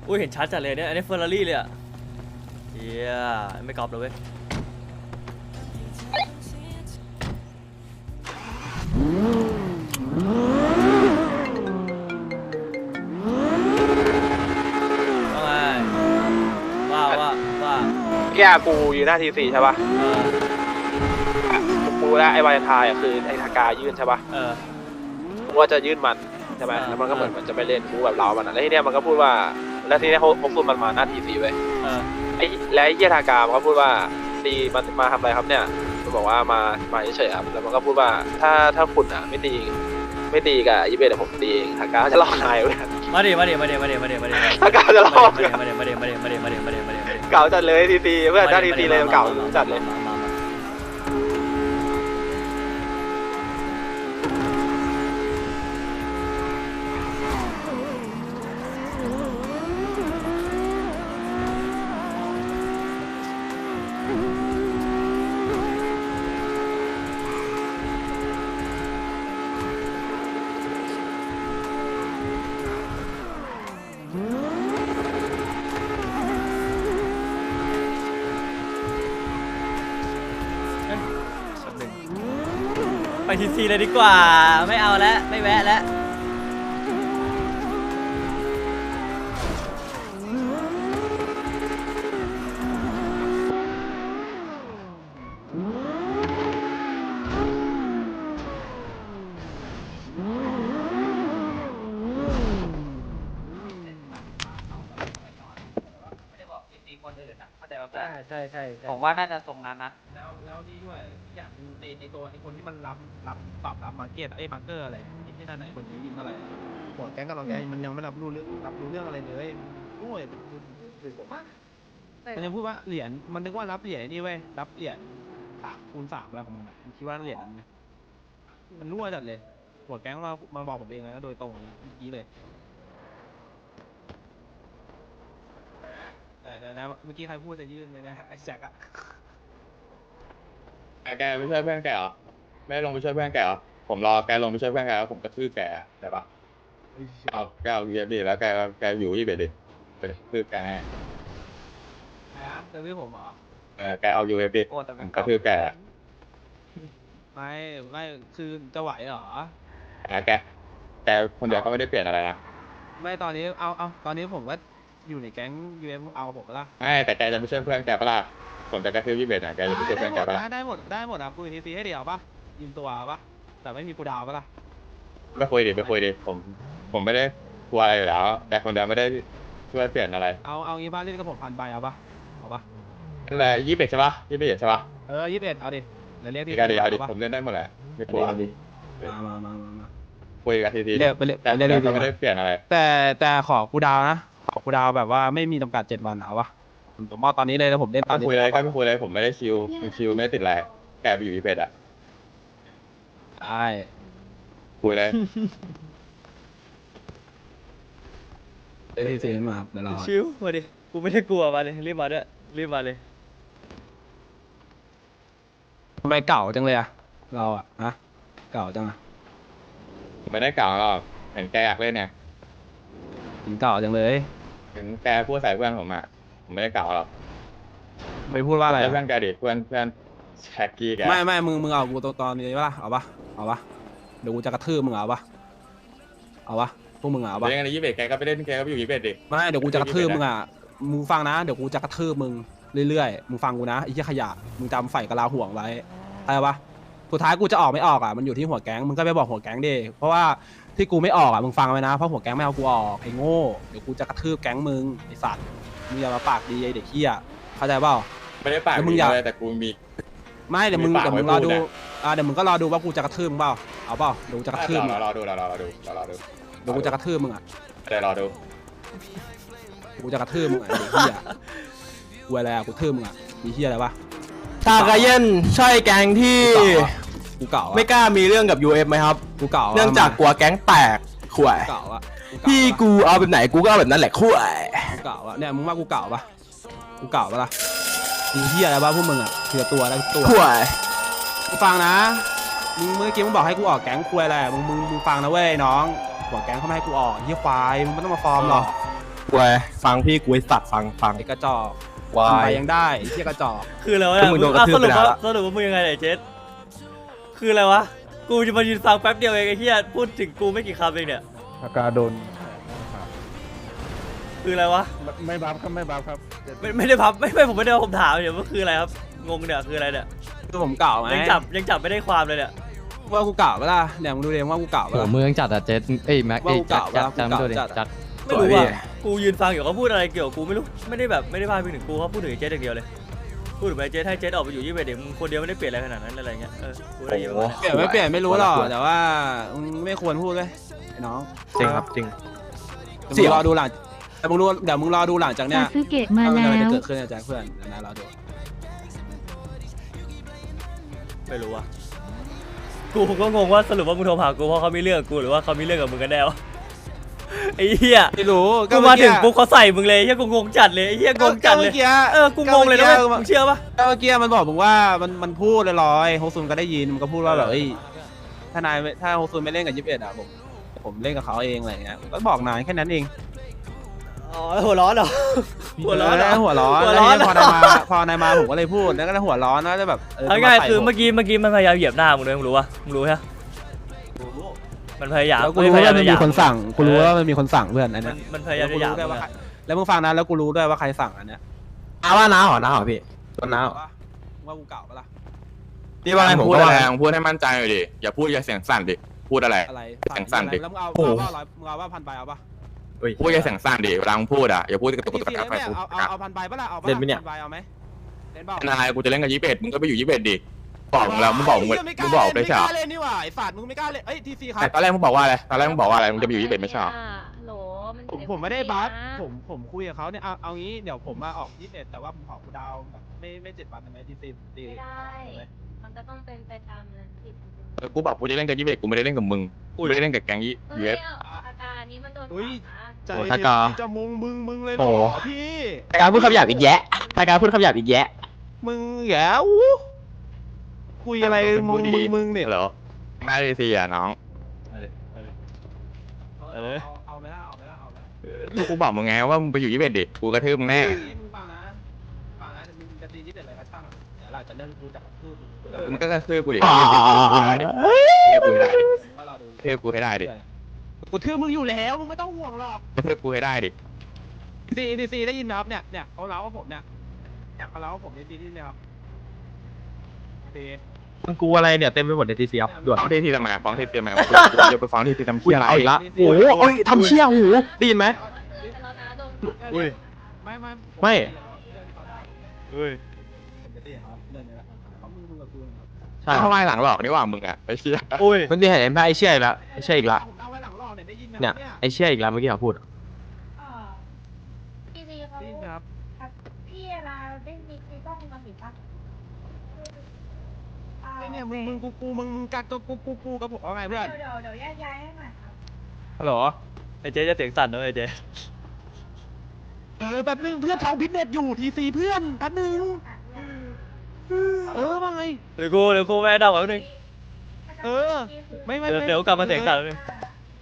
อุ้ยเห็นชัดจัดเลยเนี่ยอันนี้เฟอร์รารี่เลยอ่ะเฮียไม่กรอบเลยเว้ยว่าแกกูอยู่หน้าทีสี่ใช่ป่ะกูแล้วไอ้วาเลนไทน์คือไอ้ทากายื่นใช่ป่ะกูว่าจะยื่นมันใช่ไหมแล้วมันก็เหมือนมันจะไปเล่นกูแบบเรามันแล้วทีเนี้ยมันก็พูดว่าแล้วทีเนี้ยเขาพูดมันมาหน้าทีสี่เว้ยไอ้แล้วไอ้เหี้ยทากามันก็พูดว่าตีมันมาทำอะไรครับเนี่ยมันบอกว่ามาเฉยๆครับแล้วมันก็พูดว่าถ้าคุณอ่ะไม่ตีกับยี่เบสผมตีเองทากาจะลอกนายเว้ยมาดิทากาจะลอกมาดิเก่าจัดเลยทีเพื่อนหน้าทีเลยเก่าจัดเลยไปทีเลยดีกว่าไม่เอาแล้วไม่แวะแล้วใช่ผมว่าน่าจะทรงนั้นนะแล้วนี่ด้วยอย่างในตัวไอ้คนที่มันรับมาร์เก็ตมาร์เกอร์อะไรที่นั่นไหนคนที่ยิงอะไรหัวแก๊งกับรองแก๊งมันยังไม่รับรู้เรื่องอะไรเลยโอ้ยถึงผมมันยังพูดว่าเหรียญมันนึกว่ารับเหรียญนี่เว้ยรับเหรียญ3 คูณ 3อะไรของมันคิดว่าเหรียญมันรั่วจัดเลยหัวแก๊งมาบอกผมเองเลยนะโดยตรงเมื่อกี้เลยแต่นะเมื่อกี้ใครพูดจะยื่นเลยนะไอ้แจ็คอะแกไม่ช่วยเพื่อนแกเหรอไม่ลงไปช่วยเพื่อนแกเหรอผมรอแกลงไปช่วยเพื่อนแกแล้วผมกระทืบแกได้ปะแกเอาเยียบดิแล้วแกอยู่ที่เบ็ดดิไปกระทืบแกให้จะพี่ผมเหรอแกเอาอยู่เอฟดิผมกระทืบแกไม่คือจะไหวเหรอแกคนเดียวก็ไม่ได้เปลี่ยนอะไรนะไม่ตอนนี้เอาตอนนี้ผมว่าอยู่ในแก๊งUMเอาผมละไม่แต่แกจะไม่ช่วยเพื่อนแกปะล่ะผมจะกระทืบที่เบ็ดนะแกจะไปช่วยเพื่อนแกปะล่ะได้หมดอ่ะคุยทีให้เดียวปะยิงตัวปะแต่ไม่มีกูดาวปะล่ะไม่คุยดิผมไม่ได้กลัวอะไรอยู่แล้วแต่คนเดียวไม่ได้ช่วยเปลี่ยนอะไรเอางี้บ้านเล่นกับผม1,000 ใบเอาปะนั่นแหละ21ใช่ปะ21ใช่ปะ 21เอาดิเดี๋ยวเรียกที่เอาดิผมเล่นได้หมดแหละไม่กลัวมาคุยกันทีแต่ไม่ได้เปลี่ยนอะไรแต่ขอกูดาวนะขอกูดาวแบบว่าไม่มีจำกัด7 วันเอาปะผมมอบตอนนี้เลยแล้วผมเล่นตอนนี้คุยเลยไม่คุยเลยผมไม่ได้ชิวไม่ได้ติดอะไรแกไปอยู่อีเพ็ดอะได้คุยเลยที่ซีมาเดี๋ยวรอชิวมาดิกูไม่ได้กลัวมาเลยรีบมาด้วยรีบมาเลยทำไมเก่าจังเลยอะเราอะฮะเก่าจังอะไม่ได้เก่าหรอกเห็นแกอยากเล่นเนี่ยถึงเก่าจังเลยถึงแกพูดใส่เพื่อนผมอะผมไม่ได้เก่าหรอกไม่พูดว่าอะไรเพื่อนแกดิเพื่อนแท็กกี้แกไม่มึงเอากูตอนนี้ปะล่ะเอาปะเดี๋ยวกูจะกระทืบมึงเอาปะพวกมึงเอาปะเล่นกัน21แกก็ไปเล่นแกก็ไปอยู่21ดิไม่เดี๋ยวกูจะกระทืบมึงอะมึงฟังนะเดี๋ยวกูจะกระทืบมึงเรื่อยๆมึงฟังกูนะไอ้เหี้ยขยะมึงจำไฟกะลาห่วงไว้อะไรปะสุดท้ายกูจะออกไม่ออกอะมันอยู่ที่หัวแก๊งมึงก็ไปบอกหัวแก๊งดิเพราะว่าที่กูไม่ออกอะมึงฟังไว้นะเพราะหัวแก๊งไม่เอากูออกไอ้โง่เดี๋ยวกูจะกระทืบแก๊งมึงไอ้สัตว์มึงอย่ามาปากดีไอ้เด็กเหี้ยเข้าใจเปล่าไม่ได้ปากดีเลยแต่กูมีไม่เดี๋ยวมึงรอดูเดี๋ยวมึงก็รอดูว่ากูจะกระทืบมึงเปล่าเอาเปล่าเดี๋ยวกูจะกระทืบรอดูเดี๋ยวกูจะกระทืบมึงอ่ะเดี๋ยวรอดูกูจะกระทืบมึงอ่ะไอ้เหี้ยกูอะไรอ่ะกูทืบมึงอ่ะมีเหี้ยอะไรวะทากาเย็นใช่แก๊งที่กูเก่าไม่กล้ามีเรื่องกับ UF ไหมครับกูเก่าเนื่องจากกลัวแก๊งแตกข่วยเก่าอ่ะพี่กูเอาแบบไหนกูก็เอาแบบนั้นแหละข่วยเก่าอ่ะเนี่ยมึงว่ากูเก่าปะกูเก่าปะล่ะมีเหี้ยอะไรบ้างพวกมึงอ่ะเถื่อตัวแล้วตัวข่วยกูฟังนะมึงเมื่อกี้มึงบอกให้กูออกแก๊งคุยอะไรมึงฟังนะเว้ยน้องหัวแก๊งเขาไม่ให้กูออกเหี้ยควายมึงไม่ต้องมาฟอร์มหรอกควยฟังพี่กูไอ้สัตว์ฟังไอ้กระจอกวาทำไปยยังได้ไอ้เหี้ยกระจอกคืออะไรวะก็มึงโดนกระทืบสรุปไปแล้วว่าสรุปว่ามึงยังไงเนี่ยเจสคืออะไรวะกูจะมายืนฟังแป๊บเดียวเองไอ้เหี้ยพูดถึงกูไม่กี่คำเองเนี่ยอาการโดนคืออะไรวะไม่บัฟครับไม่บัฟครับไม่ได้พับไม่ผมไม่ได้ว่าผมถามเนี่ยว่าคืออะไรครับงงเนี่ยคืออะไรเนี่ยคือผมเก่าไหมยังจับไม่ได้ความเลยเนี่ยว่ากูเก่าปะล่ะเนี่ยมึงดูเองว่ากูเก่าปะโหล่ะเมืองจัดอะเจสเอ้ยแม็กเอ้ยว่ากูเก่าจัดว่ากูจำด้วยดิเก่าจัดจัดไม่รู้ว่ากูยืนฟังอยู่เขาพูดอะไรเกี่ยวกับกูไม่รู้ไม่ได้แบบไม่ได้พาดพิงถึงกูเขาพูดถึงไอ้เจสอย่างเดียวเลยพูดถึงไอ้เจสให้เจสออกไปอยู่21เด็กมึงคนเดียวไม่ได้เปลี่ยนอะไรขนาดนั้นอะไรเงี้ยกูได้ยินมาเปลี่ยนไม่เปลี่ยนไม่รู้หรอกแต่ว่ามึงไม่ควรพูดเลยไอ้น้องจริงครับจริงเดี๋ยวมึงรอดูหลังแต่มึงรู้เดี๋ยวมึงรอดูหลังจากเนี้ยซาสึเกะมาว่าแล้อะไรจะวเกิดขึ้นนะแจ็คเพื่อนนะเราดูไม่รู้ว่ะกูก็งงว่าสรุปว่ามึงโทรหากูเพราะเขามีเรื่องกับกูหรือว่าเขามีเรื่องกับมึงกันแน่วะไอ้เหี้ยไม่รู้กูมาถึงปุ๊บเขาใส่มึงเลยไอ้เหี้ยกูงงจัดเลยไอ้เหี้ยงงจัดเลยเมื่อกี้กูงงเลยนะเว้ยมึงเชื่อปะเมื่อกี้มันบอกมึงว่ามันพูดลอยๆโฮซุนก็ได้ยินมันก็พูดว่าแบบเอ้ยถ้าโฮซุนไม่เล่นกับ21อ่ะผมเล่นกับเขาเองอะไรเงี้ยก็บอกนายแค่นั้นเองอ๋อหัวร้อนเหรอหัวร้อนเหรอหัวร้อนหัวร้อนแล้วพอนายมาผมก็เลยพูดแล้วก็หัวร้อนนะจะแบบเอาง่ายๆคือเมื่อกี้มันพยายามเหยียบหน้ามึงเลยมึงรู้ปะมึงรู้ใช่ปะมันพยายามแล้วกูรู้ว่ามันมีคนสั่งกูรู้ว่ามันมีคนสั่งเพื่อนอันเนี้ยมันพยายามจะหยามมึงอะแล้วมึงฟังนะแล้วกูรู้ด้วยว่าใครสั่งอันเนี้ยว่าน้าเหรอพี่ต้นน้าเหรอว่ากูเก่าปะล่ะพี่ว่าไงผมพูดก็อะว่าไรไงมึงพูดให้มั่นใจหน่อยดิอย่าพูดอย่าเสียงสั่นดิพูดอะไรอะไรแข่งสั่นดิแล้วมึงเอาโอ้โหมึงเอาว่าพันใบเอาปะพูดอย่าเสียงสั่นดิเวลามึงพูดอ่ะอย่าพูดกระตุกกระตุกกระเอาตุกไปพูดเอาพันใบปะล่ะเอาปะเล่นไหมเนี่ยพันใบเอาไหมเล่นเปล่านายกูจะเล่นกับ21มึงก็ไปอยู่21ดิบอกมึงแล้วมึงบอกมึงได้ใช่เหรอไม่กล้าเล่นนี่หว่าไอ้ฝาดมึงไม่กล้าเล่นเอ้ยทีซีครับแต่ตอนแรกมึงบอกว่าอะไรตอนแรกมึงบอกว่าอะไรมึงจะไปอยู่21ไม่ใช่เหรอโหลมันผมไม่ได้บัฟผมคุยกับเขาเนี่ยเอางี้เดี๋ยวผมมาออก21แต่ว่าผมขอกูดาวแบบไม่7 วันได้ไหมทีซีไม่ได้ มันก็ต้องเป็นไปตามนั้นสิกูบอกกูจะเล่นกับ21กูไม่ได้เล่นกับมึงกูไม่ได้เล่นกับแก๊งยี่เฮ้เวย ฟอาการนี้มันโดนอุ้ยขวาใจโอ้ถ้ากาจะมึงเลยโอ้เหรอพี่ถ้าการพูดคำหยาบอีกแยะถ้าการพูดคำหยาบอีกแยะมึงแย่คุยอะไรมึงเนี่ยเหรอไม่ได้สิอ่ะน้องเอาไหมล่ะเอาไหมล่ะเอาไหมกูบอกมึงไงว่ามึงไปอยู่21ดิกูกระทืบมึงแน่มึงฟังนะมึงจะตี21อะไรก็ช่างเดี๋ยวเราจะเริ่มรู้จักพูดมึงก็กระทืบกูดิเทียบกูให้ได้ดิว่าเราดูเทียบกูให้ได้ดิกูทื่อมึงอยู่แล้วมึงไม่ต้องห่วงหรอกกระทืบกูให้ได้ดิซีได้ยินไหมครับเนี่ยเขาเล่าว่าผมเนี่ยเขาเล่าว่าผมในซีที่เนี่ยครับซีมันกูอะไรเนี่ยเต็มไปหมดในทีเซียด่วนฟ้องที่ทำไมฟ้องที่ทำไมอย่าไปฟ้องที่ทำเชี่ยอะไรเอาอีกละโอ้โหเอ้ยทำเชี่ยโอ้โหได้ยินไหมแล้วนะโดนอุ้ยไม่ไม่เฮ้ยผมจะเตี้ยครับเดินเลยละเขามึงกับกูนะครับใช่ทำไมหลังหลอกนี่หว่ามึงอ่ะไปเชี่ยอุ้ยมันที่เห็นไอ้เชี่ยอีกแล้วไอ้เชี่ยอีกละผมเอาไว้หลังรอบเนี่ยได้ยินไหมเนี่ยไอ้เชี่ยอีกแล้วเมื่อกี้เขาพูดพี่ซีเขาได้ยินไหมครับพี่เวลาได้มีต้องมาถึงปะเนี่ยมึงกักตัวกูกับผมเอาไงเพื่อนเดี๋ยวแยกย้ายให้หน่อยครับฮัลโหลไอ้เจ๊จะเสียงสั่นนะไอ้เจ๊แป๊บนึงเพื่อนทองพิทเน็ตอยู่ทีซีเพื่อนแป๊บนึงว่าไงเดี๋ยวกูแม่ดังแป๊บนึงไม่เดี๋ยวกลับมาเสียงสั่นแป๊บนึง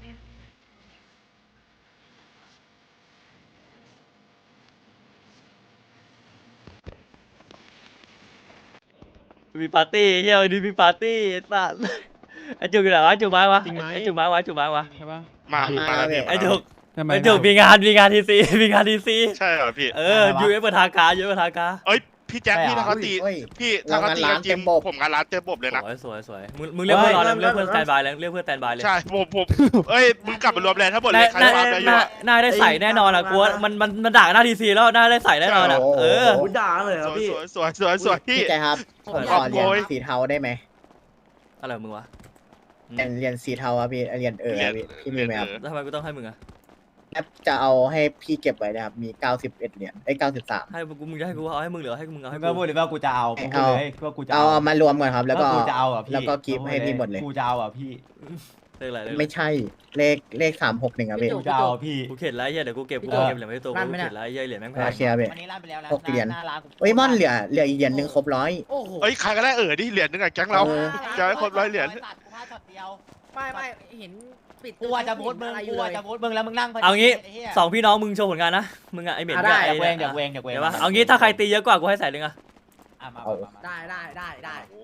มีปาร์ตี้เฮียวันนี้มีปาร์ตี้ไอ้สัสไอ้จุกอยู่ไหนวะจุกไม้วะไอ้จุกไม้วะจุกไม้วะใช่ปะมาแล้วพี่ไอ้จุกไอ้จุกมีงานทีซีมีงานทีซีใช่เหรอพี่ยูเอฟเปิดทางการยูเอฟเปิดทางการเอ้ยพี่แจ็คพี่ถ้าเขาตีพี่ถ้าเขาตีกันจริงผมงานร้านเต็มบบเลยนะสวยมึงเรียกเพื่อนรอเลยเรียกเพื่อนสแตนบายเลยเรียกเพื่อนสแตนบายเลยใช่ผมเอ้ยมึงกลับไปรวมแรงทั้งหมดเลยใครฟาร์มได้อยู่อะน่าได้ใส่แน่นอนอ่ะกลัวมันด่าหน้าทีซีแล้วน่าได้ใส่แน่นอนอ่ะด่าเลยสวยสวยพี่พี่ใจครับผมขอเรียนสีเทาได้ไหมอะไรมึงวะเรียนสีเทาอะพี่เรียนพี่มีไหมครับทำไมกูต้องให้มึงอ่ะแอปจะเอาให้พี่เก็บไว้นะครับมี91เหรียญ93 ให้มึงจะให้กูเอาให้มึงหรือให้มึงเอาให้ก็พูดเลยว่ากูจะเอาพูดเลยว่ากูจะเอามารวมก่อนครับ แล้วก็กูจะเอาอ่ะพี่แล้วก็กิฟต์ให้พี่หมดเลยกูจะเอาอ่ะพี่เลขอะไรไม่ใช่เลข361ครับพี่กูจะเอาพี่กูเข็ดแล้วเฮียเดี๋ยวกูเก็บเหรียญไว้ตัวกูเข็ดแล้วเฮียเหรียญแม่งแพโอง เคครับพี่วันนี้ลั่นไปแล้วนะ 6เหรียญหน้าร้านกูเอ้ยม่อนเหลืออีกเหรียญหนึงครบ100 โอ้โหเอ้ยใครก็ได้ดิเหรียญนึงอะแก๊งเราจะให้คน100เหรียญไม่เห็นกูว่าจะโพสต์มึงกูว่าจะโพสต์มึงแล้วมึงนั่งเอางี้ไหี้ย 2พี่น้องมึงโชว์ผลงานนะมึงอะไอเหม็นได้กับไอ้อยากเวงเดี๋ยวปะเอางี้ถ้าใครตีเยอะกว่ากูให้ใส่หนึ่งอะอ่ะมาเอาได้